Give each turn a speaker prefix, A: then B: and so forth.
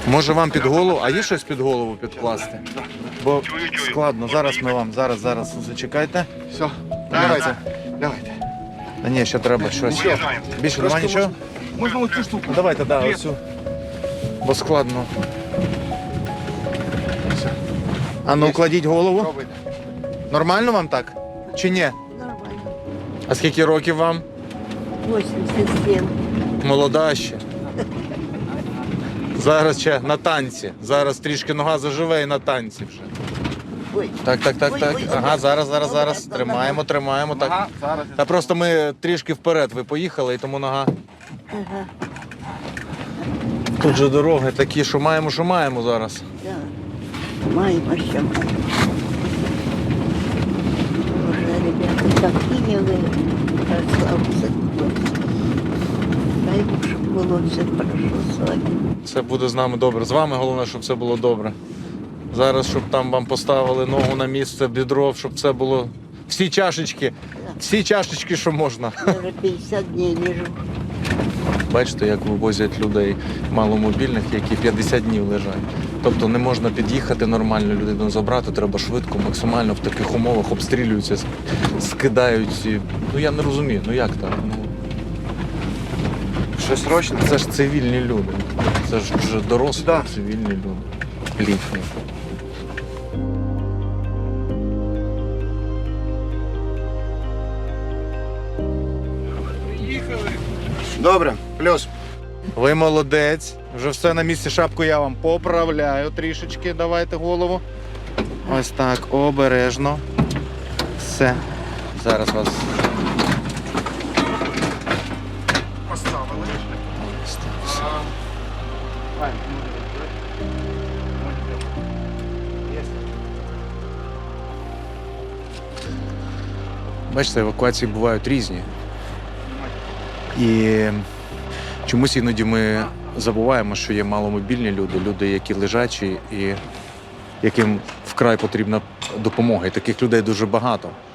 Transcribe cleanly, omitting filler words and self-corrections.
A: Може вам під голову, а є щось під голову підкласти? Бо складно, зараз ми вам, зараз, зачекайте.
B: Все,
A: Давайте.
B: давайте.
A: Та ні, ще треба щось. Більше нема нічого?
B: Можна оцю штуку.
A: Ну, давайте, оцю. Бо складно. А ну, кладіть голову.
B: Пробуйте.
A: Нормально вам так? Чи ні?
C: Нормально.
A: А скільки років вам?
C: 87.
A: Молода ще. Зараз ще на танці. Зараз трішки нога заживе і на танці вже.
C: Ой.
A: Так.
C: Ой.
A: Ага, зараз. Тримаємо. Так.
B: Ага, зараз.
A: Та просто ми трішки вперед ви поїхали, і тому нога.
C: Ага.
A: Тут же дороги такі, що маємо зараз.
C: Да. Маємо, що маємо. Боже, ребята, такі ви красавці. Дай Бог, щоб було все хорошо з вами.
A: Все буде з нами добре. З вами головне, щоб все було добре. Зараз, щоб там вам поставили ногу на місце, бідро, щоб все було. Всі чашечки, що можна.
C: Я вже 50 днів лежу.
A: Бачите, як вивозять людей маломобільних, які 50 днів лежать. Тобто не можна під'їхати нормально, людину забрати, треба швидко, максимально в таких умовах обстрілюються, скидають. Ну я не розумію, ну як так? Ну,
B: Щось срочно?
A: це ж цивільні люди. Це ж вже дорослі
B: Да.
A: цивільні люди. Літні.
B: Добре, плюс.
A: Ви молодець. Вже все на місці, шапку я вам поправляю трішечки. Давайте голову. Ось так, обережно. Все. Зараз вас.
B: Поставили.
A: Бачите, евакуації бувають різні. І чомусь іноді ми забуваємо, що є маломобільні люди, люди, які лежачі і яким вкрай потрібна допомога. І таких людей дуже багато.